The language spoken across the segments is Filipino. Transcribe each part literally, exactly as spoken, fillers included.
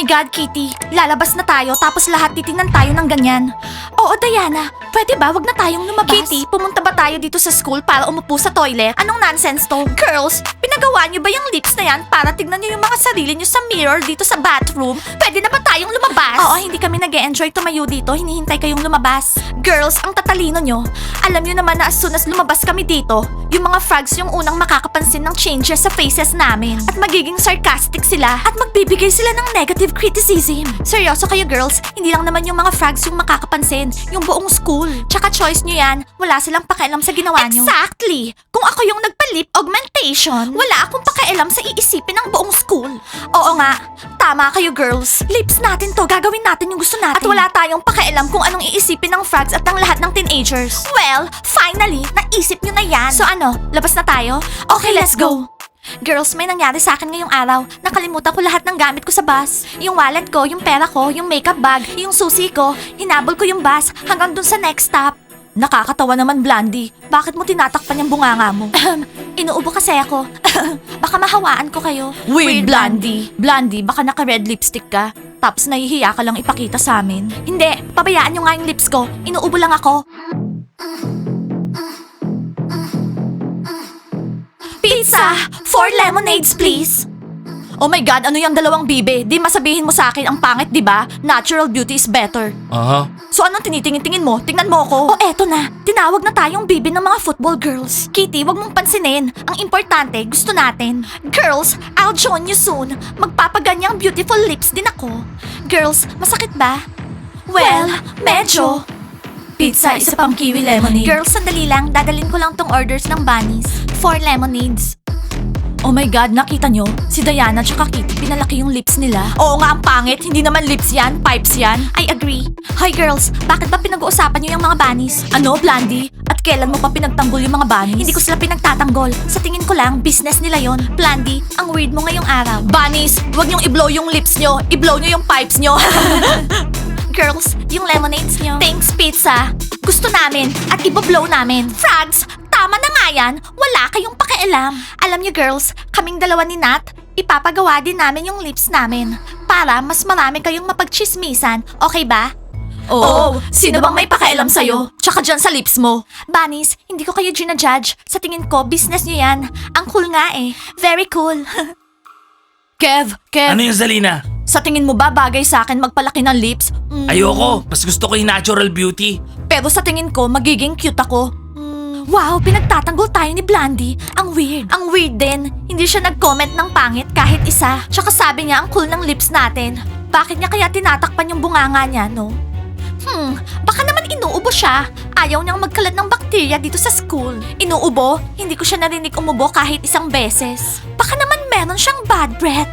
my God, Kitty. Lalabas na tayo tapos lahat titingnan tayo ng ganyan. Oo, Diana. Pwede ba wag na tayong lumabas? Kitty, pumunta ba tayo dito sa school para umupo sa toilet? Anong nonsense to? Girls, pinagawa niyo ba yung lips na yan para tignan niyo yung mga sarili niyo sa mirror dito sa bathroom? Pwede na ba tayong lumabas? Oo, hindi kami nag-e-enjoy tumayo dito. Hinihintay kayong lumabas. Girls, ang tatalino niyo. Alam niyo naman na as soon as lumabas kami dito, yung mga frogs yung unang makakapansin ng changes sa faces namin. At magiging sarcastic sila at magbibigay sila ng negative criticism. Seryoso kayo girls, hindi lang naman yung mga frogs yung makakapansin, yung buong school. Tsaka choice nyo yan, wala silang pakialam sa ginawa nyo. Exactly! Kung ako yung nagpa-lip augmentation, wala akong pakialam sa iisipin ng buong school. Oo nga, tama kayo girls. Lips natin to, gagawin natin yung gusto natin. At wala tayong pakialam kung anong iisipin ng frogs at ng lahat ng teenagers. Well, finally, naisip nyo na yan. So ano, labas na tayo? Okay, let's go! Girls, may nangyari sa akin ngayong araw. Nakalimutan ko lahat ng gamit ko sa bus. Yung wallet ko, yung pera ko, yung makeup bag, yung susi ko. Hinabol ko yung bus hanggang dun sa next stop. Nakakatawa naman, Blandy. Bakit mo tinatakpan yung bunganga mo? Inuubo kasi ako. Baka mahawaan ko kayo. Weird, Blandy. Blandy, baka naka-red lipstick ka. Tapos nahihiya ka lang ipakita sa amin. Hindi, pabayaan nyo nga yung lips ko. Inuubo lang ako. Pizza! Four lemonades, please! Oh my God, ano yung dalawang bibe? Di masabihin mo sa akin ang pangit, di ba? Natural beauty is better. Aha. So anong tinitingin-tingin mo? Tingnan mo ako. Oh, eto na. Tinawag na tayong bibe ng mga football girls. Kitty, wag mong pansinin. Ang importante, gusto natin. Girls, I'll join you soon. Magpapaganyang beautiful lips din ako. Girls, masakit ba? Well, medyo. Pizza, isa pang kiwi lemonade. Girls, sandali lang. Dadalin ko lang tong orders ng bunnies. Four lemonades. Oh my God, nakita nyo? Si Diana tsaka Kitty, pinalaki yung lips nila. Oo nga, ang pangit. Hindi naman lips yan, pipes yan. I agree. Hoy girls, bakit ba pinag-uusapan nyo yung mga bunnies? Ano, Blandy? At kailan mo pa pinagtanggol yung mga bunnies? Hindi ko sila pinagtatanggol. Sa tingin ko lang, business nila yon. Blandy, ang weird mo ngayong araw. Bunnies, wag nyong i-blow yung lips nyo. I-blow nyo yung pipes nyo. Girls, yung lemonades nyo. Thanks, pizza. Gusto namin at iboblow namin. Frogs, tama na nga yan. Wala kayong pakialam. Alam niyo girls, kaming dalawa ni Nat, ipapagawa din namin yung lips namin. Para mas marami kayong mapagchismisan. Okay ba? Oo, sino bang may pakialam sa'yo? Tsaka dyan sa lips mo. Bunnies, hindi ko kayo ginajudge. Sa tingin ko, business nyo yan. Ang cool nga eh. Very cool. Kev, Kev. Ano yung Zalina? Sa tingin mo ba bagay sa akin magpalaki ng lips? Mm. Ayoko, mas gusto ko yung natural beauty. Pero sa tingin ko, magiging cute ako. Mm. Wow, pinagtatanggol tayo ni Blandy. Ang weird. Ang weird din. Hindi siya nag-comment ng pangit kahit isa. Tsaka sabi niya ang cool ng lips natin. Bakit niya kaya tinatakpan yung bunganga niya, no? Hmm, baka naman inuubo siya. Ayaw niyang magkalat ng bakterya dito sa school. Inuubo? Hindi ko siya narinig umubo kahit isang beses. Baka naman meron siyang bad breath.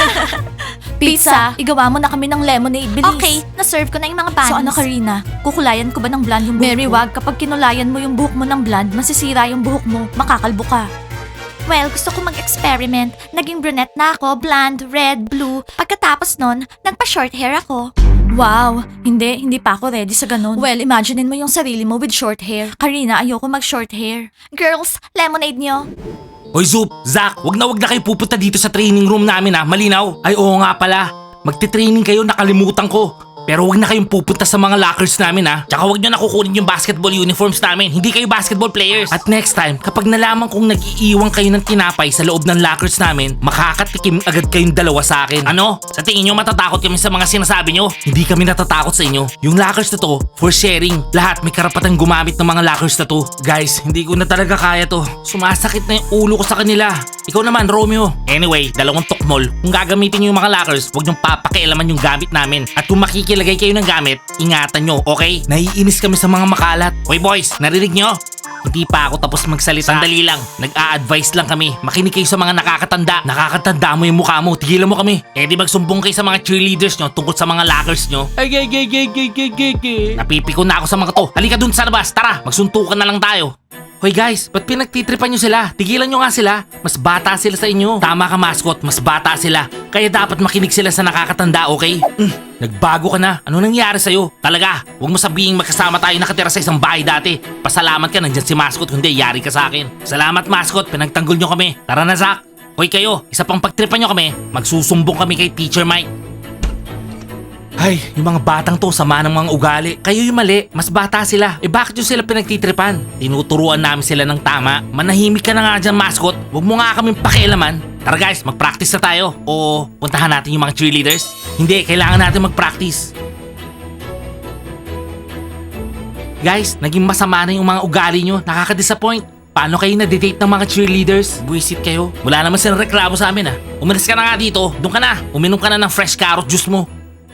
Pizza, igawa mo na kami ng lemonade, bilis. Okay, na-serve ko na yung mga bunnies. So ano, Karina? Kukulayan ko ba ng blonde yung buhok Mary, wag. Kapag kinulayan mo yung buhok mo ng blonde, masisira yung buhok mo. Makakalbo ka. Well, gusto ko mag-experiment. Naging brunette na ako, blonde, red, blue. Pagkatapos nun, nagpa-short hair ako. Wow, hindi, hindi pa ako ready sa ganun. Well, imaginein mo yung sarili mo with short hair. Karina, ayoko mag-short hair. Girls, lemonade nyo. Hoy Zoop, Zach, wag na wag na kayo pupunta dito sa training room namin ha, malinaw. Ay oo nga pala, magte-training kayo, nakalimutan ko. Pero wag na kayong pupunta sa mga lockers namin ha. Tsaka wag nyo na kukunin yung basketball uniforms namin. Hindi kayo basketball players. At next time, kapag nalaman kong nag-iiwan kayo ng tinapay sa loob ng lockers namin, makakatikim agad kayong dalawa sa akin. Ano? Sa tingin nyo matatakot kami sa mga sinasabi nyo? Hindi kami natatakot sa inyo. Yung lockers na to, for sharing. Lahat may karapatang gumamit ng mga lockers na to. Guys, hindi ko na talaga kaya to. Sumasakit na yung ulo ko sa kanila. Ikaw naman, Romeo. Anyway, dalawang tukmol. Kung gagamitin nyo yung mga lockers, huwag nyong papakialaman yung gamit namin. At kung makikilagay kayo ng gamit, ingatan nyo, okay? Naiinis kami sa mga makalat. Hoy boys, narinig nyo? Hindi pa ako tapos magsalita. Sandali lang, nag-a-advise lang kami. Makinig kayo sa mga nakakatanda. Nakakatanda mo yung mukha mo, tigilan mo kami. Eh di magsumbong kayo sa mga cheerleaders nyo tungkol sa mga lockers nyo. Ay, ay, ay, ay, ay, ay, ay, ay. Napipiko na ako sa mga to. Halika dun sa labas, tara, magsuntukan na lang tayo. Hoy guys, ba't pinagtitripan nyo sila? Tigilan nyo nga sila. Mas bata sila sa inyo. Tama ka mascot, mas bata sila. Kaya dapat makinig sila sa nakakatanda, okay? Mm, nagbago ka na. Ano nangyari sa'yo? Talaga, huwag mo sabihin magkasama tayo nakatira sa isang bahay dati. Pasalamat ka, nandyan si mascot, hindi yari ka sa akin. Salamat mascot, pinagtanggol nyo kami. Tara na Zach. Hoy kayo, isa pang pagtripan nyo kami, magsusumbong kami kay Teacher Mike. Ay, yung mga batang to, sama ng mga ugali. Kayo yung mali, mas bata sila. Eh bakit yung sila pinagtitripan? Tinuturuan namin sila ng tama. Manahimik ka na nga dyan, mascot. Huwag mo nga kaming pakialaman. Tara guys, mag-practice na tayo. O puntahan natin yung mga cheerleaders? Hindi, kailangan natin mag-practice. Guys, naging masama na yung mga ugali nyo. Nakaka-disappoint. Paano kayo na-date ng mga cheerleaders? Buisit kayo. Wala naman silang reklamo sa amin ah. Umalis ka na nga dito. Doon ka na. Uminom ka na ng fresh carrot juice mo.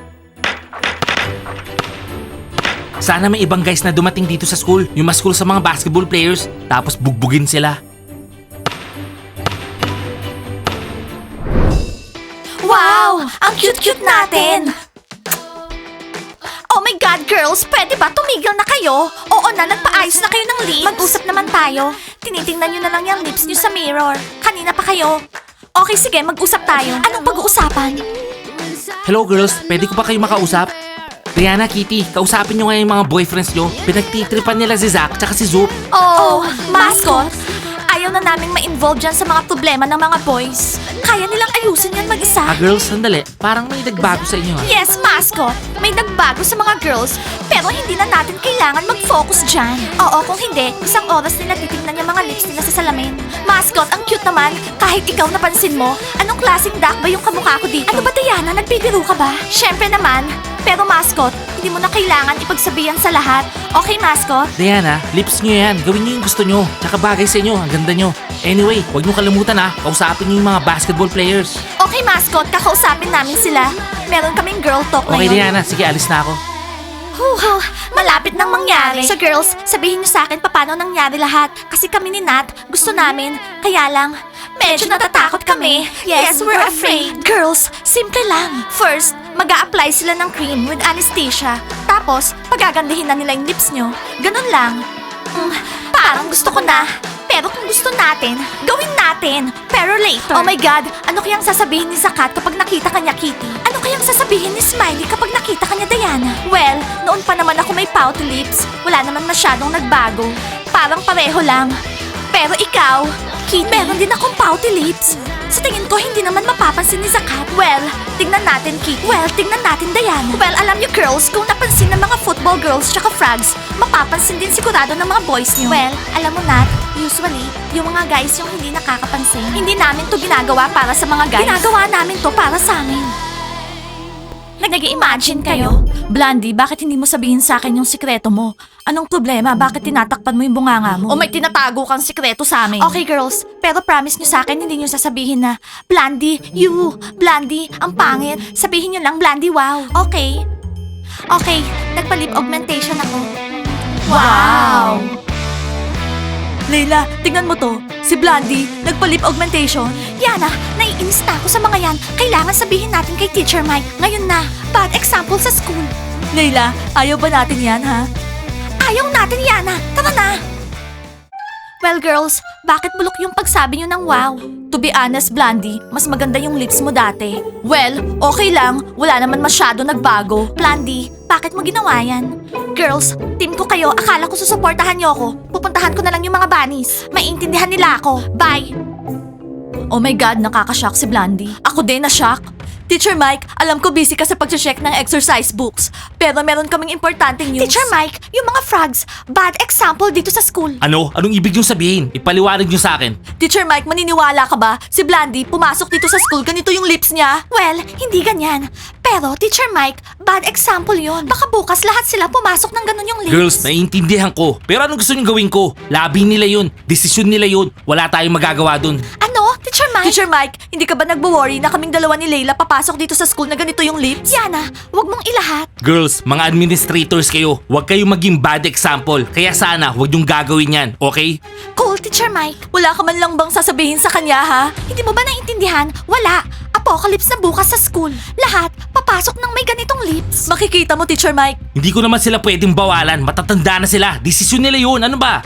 Sana may ibang guys na dumating dito sa school. Yung mas cool sa mga basketball players. Tapos bugbugin sila. Wow! Ang cute-cute natin! Oh my God, girls! Pwede ba tumigil na kayo? Oo na, nagpaayos na kayo ng lips. Mag-usap naman tayo. Tinitingnan nyo na lang yung lips nyo sa mirror. Kanina pa kayo. Okay, sige, mag-usap tayo. Anong pag-uusapan? Hello girls, pwede ko ba kayo makausap? Diana, Kitty, kausapin nyo nga yung mga boyfriends nyo. Pinagtitripan nila si Zack tsaka si Zoop. Oh, mascot! Ayaw na naming ma-involve dyan sa mga problema ng mga boys. Kaya nilang ayusin yan mag-isa. Ah girls, sandali. Parang may nagbago sa inyo ah. Yes, mascot. May nagbago sa mga girls, pero hindi na natin kailangan mag-focus dyan. Oo, kung hindi, isang oras nila titignan yung mga lips nila sa salamin. Mascot, ang cute naman. Kahit ikaw napansin mo, anong klaseng duck ba yung kamukha ko dito? Ano ba, Diana? Nagbibiro ka ba? Syempre naman. Pero mascot, hindi mo na kailangan ipagsabihan sa lahat. Okay, mascot? Diana, lips nyo yan. Gawin nyo yung gusto nyo. Tsaka bagay sa inyo. Ang ganda nyo. Anyway, huwag nyo kalimutan ha. Kausapin nyo yung mga basketball players. Okay, mascot. Kakausapin namin sila. Meron kaming girl talk Okay, ngayon. Diana. Sige, alis na ako. Huh, malapit nang mangyari. So girls, sabihin niyo sa akin paano nangyari lahat. Kasi kami ni Nat, gusto namin. Kaya lang, medyo natatakot kami. Yes, we're afraid. Girls, simple lang. First, mag apply sila ng cream with anesthesia. Tapos, pagagandahin na nila yung lips nyo. Ganun lang. Mm, parang gusto ko na. Pero kung gusto natin, gawin natin. Pero later. Oh my God, ano kayang sasabihin ni Zakat kapag nakita kanya Kitty? Ano kayang sasabihin ni Smiley kapag nakita kanya Diana? Well, noon pa naman ako may pouty lips. Wala naman masyadong nagbago. Parang pareho lang. Pero ikaw, Kitty, meron din akong pouty lips. Sa tingin ko, hindi naman mapapansin ni Zakat. Well, tingnan natin, Kitty. Well, tingnan natin, Diana. Well, alam niyo, girls, kung napansin ng mga football girls tsaka frogs, mapapansin din sigurado ng mga boys niyo. Well, alam mo, Nat, usually, yung mga guys yung hindi nakakapansin. Hindi namin to ginagawa para sa mga guys. Ginagawa namin to para sa amin. Nag-imagine kayo? Blondie, bakit hindi mo sabihin sa akin yung sikreto mo? Anong problema? Bakit tinatakpan mo yung bunganga mo? O may tinatago kang sikreto sa amin? Okay, girls. Pero promise nyo sa akin, hindi nyo sasabihin na, Blondie, you, Blondie, ang pangit. Sabihin nyo lang, Blondie, wow. Okay. Okay, nagpa-lip augmentation ako. Wow! Leila, tingnan mo to. Si Blondie, nagpa-lip augmentation. Yana, naiinis na ako sa mga yan. Kailangan sabihin natin kay Teacher Mike. Ngayon na. Bad example sa school. Leila, ayaw ba natin yan, ha? Ayaw natin, Yana. Tara na. Well, girls, bakit bulok yung pagsabi nyo ng wow? To be honest, Blondie, mas maganda yung lips mo dati. Well, okay lang. Wala naman masyado nagbago. Blondie, bakit mo ginawa yan? Girls, team ko kayo. Akala ko susuportahan niyo ako. Pupuntahan ko na lang yung mga bunnies. Maiintindihan nila ako. Bye! Oh my God, nakakashock si Blondie. Ako din na-shock. Teacher Mike, alam ko busy ka sa pag-check ng exercise books. Pero meron kaming importanteng news. Teacher Mike, yung mga frogs, bad example dito sa school. Ano? Anong ibig nyo sabihin? Ipaliwanag nyo sa akin. Teacher Mike, maniniwala ka ba? Si Blondie, pumasok dito sa school, ganito yung lips niya? Well, hindi ganyan. Pero, Teacher Mike, bad example yon. Baka bukas lahat sila pumasok ng ganun yung lips. Girls, naiintindihan ko. Pero anong gusto nyo gawin ko? Labi nila yun. Desisyon nila yun. Wala tayong magagawa dun. Ano? Teacher Mike? Teacher Mike, hindi ka ba nagbo-worry na kaming dalawa ni Layla papasok dito sa school na ganito yung lips? Yana, wag mong ilahat. Girls, mga administrators kayo. Huwag kayong maging bad example. Kaya sana, huwag yung gagawin yan. Okay? Cool, Teacher Mike. Wala ka man lang bang sasabihin sa kanya, ha? Hindi mo ba naiintindihan? Wala. Apocalypse na bukas sa school. Lahat, papasok ng may ganitong lips. Makikita mo, Teacher Mike. Hindi ko naman sila pwedeng bawalan. Matatanda na sila. Desisyon nila yun. Ano ba?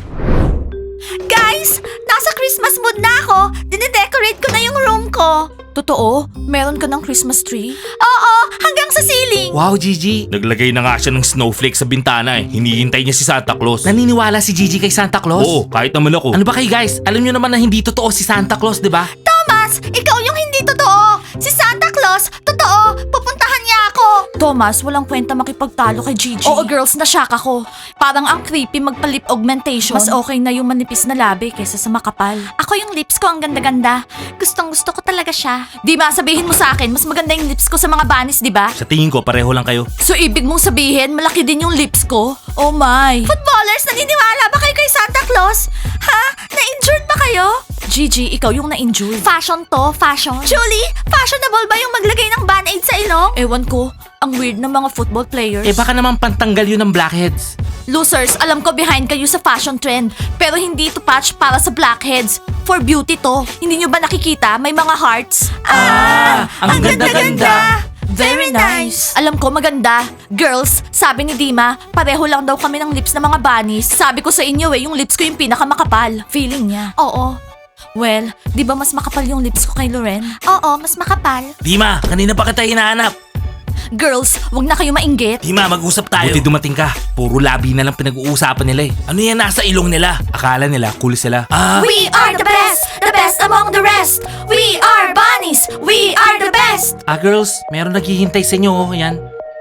Guys, nasa Christmas mood na ako. Dine-decorate ko na yung room ko. Totoo? Meron ka ng Christmas tree? Oo, hanggang sa ceiling. Wow, Gigi. Naglagay na nga siya ng snowflake sa bintana eh. Hinihintay niya si Santa Claus. Naniniwala si Gigi kay Santa Claus? Oo, kahit naman ako. Ano ba kayo guys? Alam niyo naman na hindi totoo si Santa Claus, di ba? Thomas, ikaw yung hindi totoo. Si Santa Claus, totoo. Pupuntahan niya ako. Thomas, walang kwenta makipagtalo kay Gigi. Oo, girls, na-shock ako. Parang ang creepy magpa-lip augmentation. Mas okay na yung manipis na labi kaysa sa makapal. Ako yung lips ko ang ganda-ganda. Gustong gusto ko talaga siya. Di ba, sabihin mo sa akin, mas maganda yung lips ko sa mga bunnies, di ba? Sa tingin ko, pareho lang kayo. So, ibig mong sabihin, malaki din yung lips ko? Oh my. Footballers, naniniwala ba kayo kay Santa Claus? Ha? Na-injured ba kayo? Gigi, ikaw yung na-injured. Fashion to, fashion. Julie, fashionable ba yung maglagay ng band-aid sa ilong? Ewan ko, ang weird ng mga football players. Eh baka naman pantanggal yun ng blackheads. Losers, alam ko behind kayo sa fashion trend. Pero hindi to patch para sa blackheads. For beauty to. Hindi nyo ba nakikita? May mga hearts. Ah, ang ganda-ganda. Very nice. Alam ko maganda. Girls, sabi ni Dima, pareho lang daw kami ng lips ng mga bunnies. Sabi ko sa inyo eh, yung lips ko yung pinakamakapal. Feeling niya. Oo. Well, di ba mas makapal yung lips ko kay Loren? Oo, mas makapal. Dima, kanina pa kita hinahanap. Girls, wag na kayo mainggit. Dima, mag-usap tayo. Buti dumating ka. Puro labi na lang pinag-uusapan nila eh. Ano yan nasa ilong nila? Akala nila, cool sila. Ah, We are the best, the best among the rest. We are bunnies, we are the best. ah girls, meron naghihintay sa inyo oh. Yan.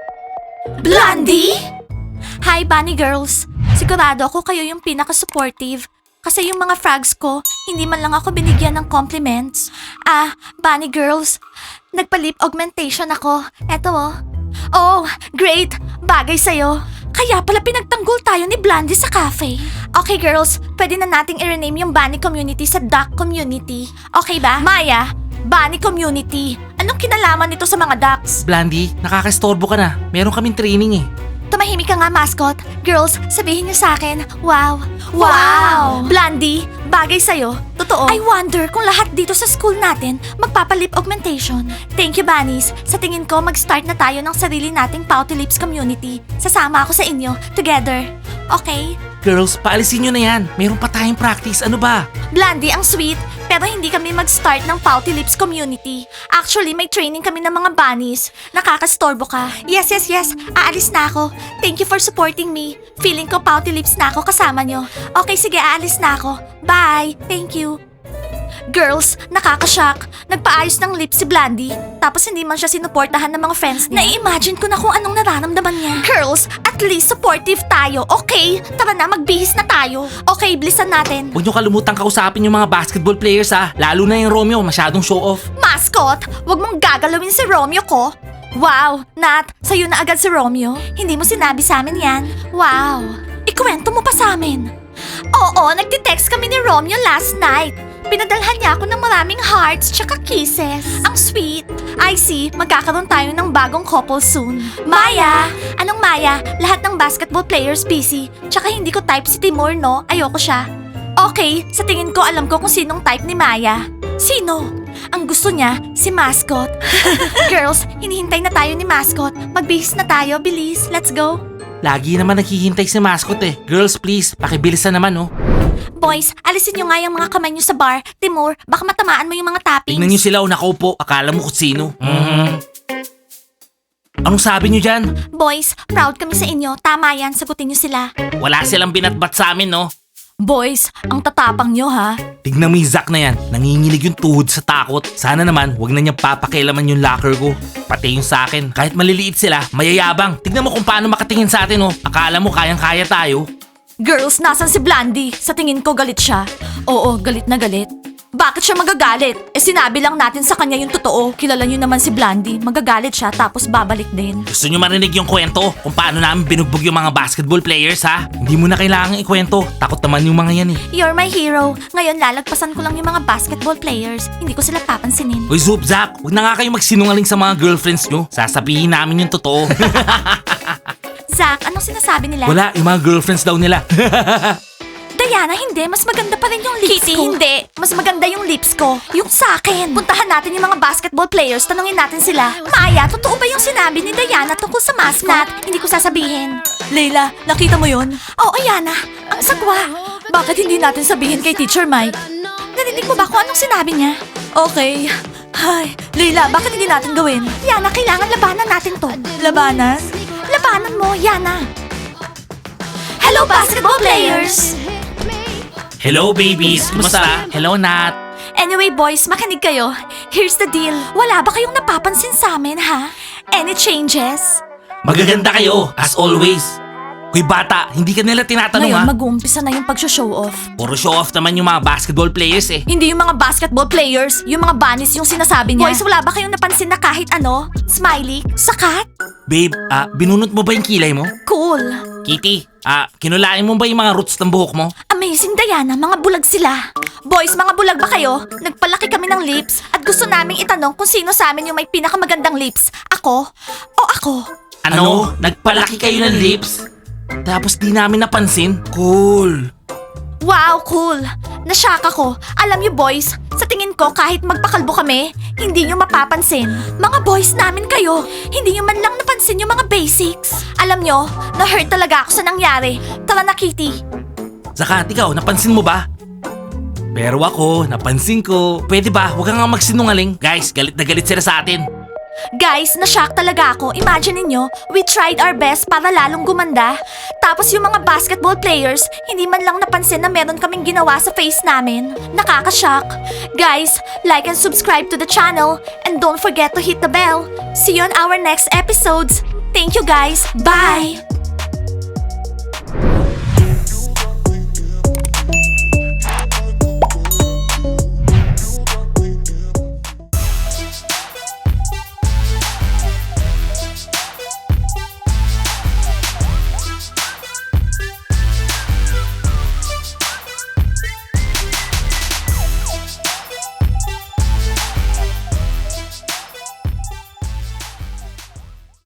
Blondie? Hi, Bunny Girls. Sigurado ako kayo yung pinaka-supportive. Kasi yung mga frogs ko, hindi man lang ako binigyan ng compliments. Ah, Bunny Girls, nagpa-lip augmentation ako. Eto oh. Oh, great! Bagay sa'yo. Kaya pala pinagtanggol tayo ni Blondie sa cafe. Okay girls, pwede na nating i-rename yung Bunny Community sa Duck Community. Okay ba? Maya, Bunny Community. Anong kinalaman nito sa mga ducks? Blandy, nakakastorbo ka na. Meron kaming training eh. Tumahimik ka nga, mascot. Girls, sabihin niyo sa akin, wow. Wow! Blondie, bagay sa'yo. Totoo. I wonder kung lahat dito sa school natin magpapalip augmentation. Thank you, Bunnies. Sa tingin ko, mag-start na tayo ng sarili nating Pouty Lips community. Sasama ako sa inyo. Together. Okay? Girls, paalisin nyo na yan. Meron pa tayong practice. Ano ba? Blondie, ang sweet. Pero hindi kami mag-start ng Pouty Lips community. Actually, may training kami ng mga bunnies. Nakakastorbo ka. Yes, yes, yes. Aalis na ako. Thank you for supporting me. Feeling ko Pouty Lips na ako kasama nyo. Okay, sige, aalis na ako. Bye. Thank you. Girls, nakakashock. Nagpaayos ng lips si Blondie, tapos hindi man siya sinuportahan ng mga friends niya. Na-imagine ko na kung anong nararamdaman niya. Girls, at least supportive tayo, okay? Tara na, magbihis na tayo. Okay, bilisan natin. Huwag nyo kalimutang kausapin yung mga basketball players ha. Lalo na yung Romeo, masyadong show off. Mascot, wag mong gagalawin si Romeo ko. Wow, Nat, sa'yo na agad si Romeo. Hindi mo sinabi sa amin yan. Wow, ikuwento mo pa sa amin. Oo, nagtitext kami ni Romeo last night. Pinadalhan niya ako ng maraming hearts tsaka kisses. Ang sweet. I see, magkakaroon tayo ng bagong couple soon. Maya! Anong Maya? Lahat ng basketball players busy. Tsaka hindi ko type si Timur, no? Ayoko siya. Okay, sa tingin ko alam ko kung sinong type ni Maya. Sino? Ang gusto niya, si Mascot. Girls, hinihintay na tayo ni Mascot. Magbihis na tayo, bilis. Let's go. Lagi naman naghihintay si mascot eh. Girls, please, pakibilisan naman oh. Boys, alisin nyo nga yung mga kamay nyo sa bar. Timur, baka matamaan mo yung mga toppings. Tingnan nyo sila o nakaupo. Akala mo kung sino. Mhm. Anong sabi nyo dyan? Boys, proud kami sa inyo. Tama yan, sagutin nyo sila. Wala silang binatbat sa amin no. Boys, ang tatapang nyo ha. Tignan mo yung Zack na yan. Nanginginig yung tuhod sa takot. Sana naman, wag na niyang papakialaman yung locker ko. Pati yung sa akin. Kahit maliliit sila, mayayabang. Tignan mo kung paano makatingin sa atin oh. Akala mo kayang-kaya tayo. Girls, nasan si Blondie? Sa tingin ko galit siya. Oo, galit na galit. Bakit siya magagalit? Eh sinabi lang natin sa kanya yung totoo. Kilala nyo naman si Blondie. Magagalit siya tapos babalik din. Gusto nyo marinig yung kwento kung paano namin binugbog yung mga basketball players ha? Hindi mo na kailangang ikwento. Takot naman yung mga yan eh. You're my hero. Ngayon lalagpasan ko lang yung mga basketball players. Hindi ko sila papansinin. Uy Zoop, Zack, huwag na nga kayo magsinungaling sa mga girlfriends nyo. Sasabihin namin yung totoo. Zack, anong sinasabi nila? Wala, yung mga girlfriends daw nila. Diana, hindi. Mas maganda pa rin yung lips Kitty, ko. hindi. Mas maganda yung lips ko. Yung sa akin. Puntahan natin yung mga basketball players. Tanungin natin sila. Maya, totoo ba yung sinabi ni Diana tungkol sa mascot? Nat, hindi ko sasabihin. Leila, nakita mo yun? Oo, Yana. Ang sagwa. Bakit hindi natin sabihin kay Teacher Mike? Narinig mo ba kung anong sinabi niya? Okay. Ay, Leila, bakit hindi natin gawin? Yana, kailangan labanan natin to. Labanan? Labanan mo, Yana. Hello, basketball players! Hello babies, kumusta? Hello Nat. Anyway boys, makinig kayo. Here's the deal. Wala ba kayong napapansin sa amin, ha? Any changes? Magaganda kayo, as always. Hoy bata, hindi ka nila tinatanong Ngayon, ha? mag-uumpisa na yung pag-show off. Puro show off naman yung mga basketball players eh. Hindi yung mga basketball players, yung mga bunnies yung sinasabi niya. Boys, wala ba kayong napansin na kahit ano? Smiley? Sakat? Babe, ah, binunot mo ba yung kilay mo? Cool. Kitty, ah, kinulain mo ba yung mga roots ng buhok mo? Amazing, Diana. Mga bulag sila. Boys, mga bulag ba kayo? Nagpalaki kami ng lips at gusto naming itanong kung sino sa amin yung may pinakamagandang lips. Ako? O ako? Ano? Nagpalaki kayo ng lips? Tapos di namin napansin? Cool. Wow, cool. Nashock ako. Alam niyo boys, sa tingin ko kahit magpakalbo kami, hindi niyo mapapansin. Mga boys namin kayo, hindi niyo man lang napansin yung mga basics. Alam niyo, na-hurt talaga ako sa nangyari. Tara na, Kitty. Zakat, ikaw, napansin mo ba? Pero ako, napansin ko. Pwede ba? Huwag kang nga magsinungaling. Guys, galit na galit sila sa atin. Guys, na-shock talaga ako. Imagine niyo, we tried our best para lalong gumanda. Tapos yung mga basketball players, hindi man lang napansin na meron kaming ginawa sa face namin. Nakaka-shock. Guys, like and subscribe to the channel. And don't forget to hit the bell. See you on our next episodes. Thank you guys. Bye!